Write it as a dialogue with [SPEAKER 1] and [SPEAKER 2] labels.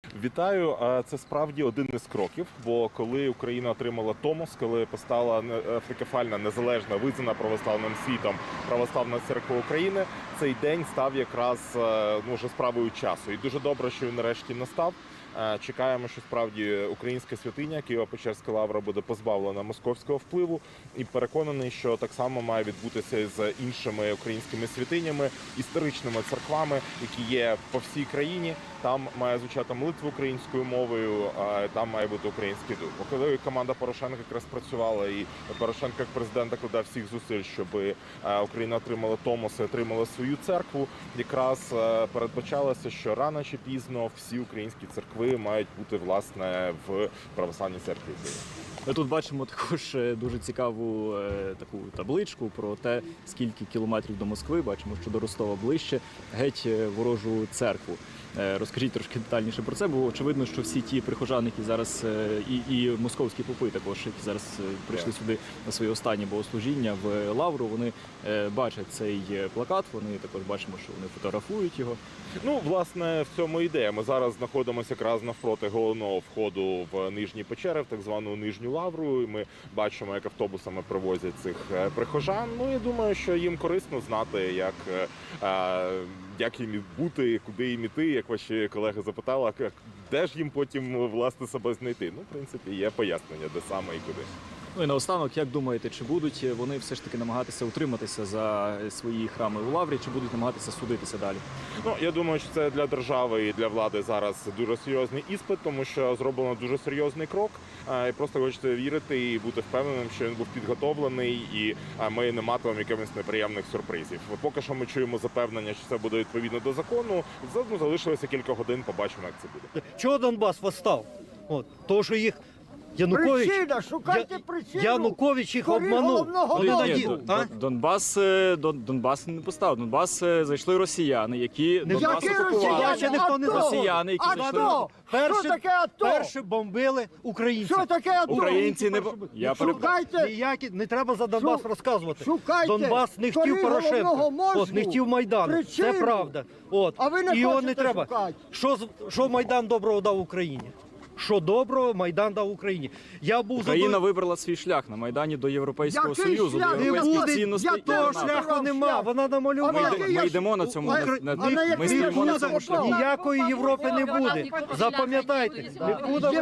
[SPEAKER 1] Вітаю. Це справді один із кроків, бо коли Україна отримала Томос, коли постала автокефальна, незалежна, визнана православним світом Православна Церква України, цей день став якраз вже справою часу. І дуже добре, що він нарешті настав. Чекаємо, що справді українська святиня Києво-Печерська лавра буде позбавлена московського впливу, і переконаний, що так само має відбутися з іншими українськими святинями, історичними церквами, які є по всій країні. Там має звучати молитва українською мовою, там має бути український дух. Коли команда Порошенка якраз працювала, і Порошенко як президент докладав всіх зусиль, щоб Україна отримала Томос і отримала свою церкву, якраз передбачалося, що рано чи пізно всі українські церкви мають бути, власне, в Православній церкві.
[SPEAKER 2] Ми тут бачимо також дуже цікаву таку табличку про те, скільки кілометрів до Москви, бачимо, що до Ростова ближче, геть ворожу церкву. Розкажіть трошки детальніше про це, бо очевидно, що всі ті прихожани, які зараз, і московські попи також, які зараз прийшли сюди на своє останнє богослужіння в Лавру, вони бачать цей плакат, вони також бачимо, що вони фотографують його.
[SPEAKER 1] Ну, власне, в цьому ідея. Ми зараз знаходимося якраз навпроти головного входу в Нижні Печери, в так звану Нижню Лавру. І ми бачимо, як автобусами привозять цих прихожан. Ну, я думаю, що їм корисно знати, як їм бути, куди їм іти, як ваші колеги запитали, де ж їм потім, власне, себе знайти. Ну, в принципі, є пояснення, де саме і куди.
[SPEAKER 2] Ну і наостанок, як думаєте, чи будуть вони все ж таки намагатися утриматися за свої храми у Лаврі, чи будуть намагатися судитися далі?
[SPEAKER 1] Ну, я думаю, що це для держави і для влади зараз дуже серйозний іспит, тому що зроблено дуже серйозний крок. І просто хочете вірити і бути впевненим, що він був підготовлений, і ми не матимемо якихось неприємних сюрпризів. Поки що ми чуємо запевнення, що це буде відповідно до закону. Залишилося кілька годин, побачимо, як це буде.
[SPEAKER 3] Чого Донбас восстав? Тому що їх Янукович,
[SPEAKER 4] Причина, шукайте причину.
[SPEAKER 3] Янукович їх
[SPEAKER 4] Створіть
[SPEAKER 3] обманув.
[SPEAKER 4] головного
[SPEAKER 3] Вони
[SPEAKER 4] мозку.
[SPEAKER 3] наділи.
[SPEAKER 2] Донбас не постав. Донбас зайшли росіяни, які Донбас
[SPEAKER 4] Які
[SPEAKER 2] окупували.
[SPEAKER 3] Росіяни? Ніхто не
[SPEAKER 2] Росіяни, які зайшли.
[SPEAKER 4] Що таке АТО?
[SPEAKER 3] Перші бомбили українців.
[SPEAKER 4] Що таке АТО?
[SPEAKER 2] Українці не
[SPEAKER 4] Шукайте,
[SPEAKER 3] Ніякі, не треба за Донбас розказувати.
[SPEAKER 4] шукайте.
[SPEAKER 3] Донбас не хотів
[SPEAKER 4] Створіть
[SPEAKER 3] Порошенка.
[SPEAKER 4] головного мозку.
[SPEAKER 3] Не хотів Майдану.
[SPEAKER 4] Причину.
[SPEAKER 3] Це правда.
[SPEAKER 4] А ви не
[SPEAKER 3] І його не
[SPEAKER 4] хочете
[SPEAKER 3] треба.
[SPEAKER 4] шукати.
[SPEAKER 3] Що Майдан доброго дав Україні? Що доброго Майдан дав Україні? Я був
[SPEAKER 2] Україна вибрала свій шлях на Майдані до Європейського
[SPEAKER 4] Який
[SPEAKER 2] Союзу, до
[SPEAKER 4] шлях?
[SPEAKER 3] Не
[SPEAKER 2] європейських
[SPEAKER 3] буде,
[SPEAKER 2] цінностей.
[SPEAKER 4] я
[SPEAKER 3] того
[SPEAKER 4] теж
[SPEAKER 3] шляху
[SPEAKER 4] шлях.
[SPEAKER 3] нема, вона намалювала.
[SPEAKER 2] Ми йдемо на цьому,
[SPEAKER 4] на який
[SPEAKER 2] ми стоїмо на
[SPEAKER 4] шлях?
[SPEAKER 2] цьому шляху.
[SPEAKER 3] Ніякої Європи не буде. Запам'ятайте. Нікуди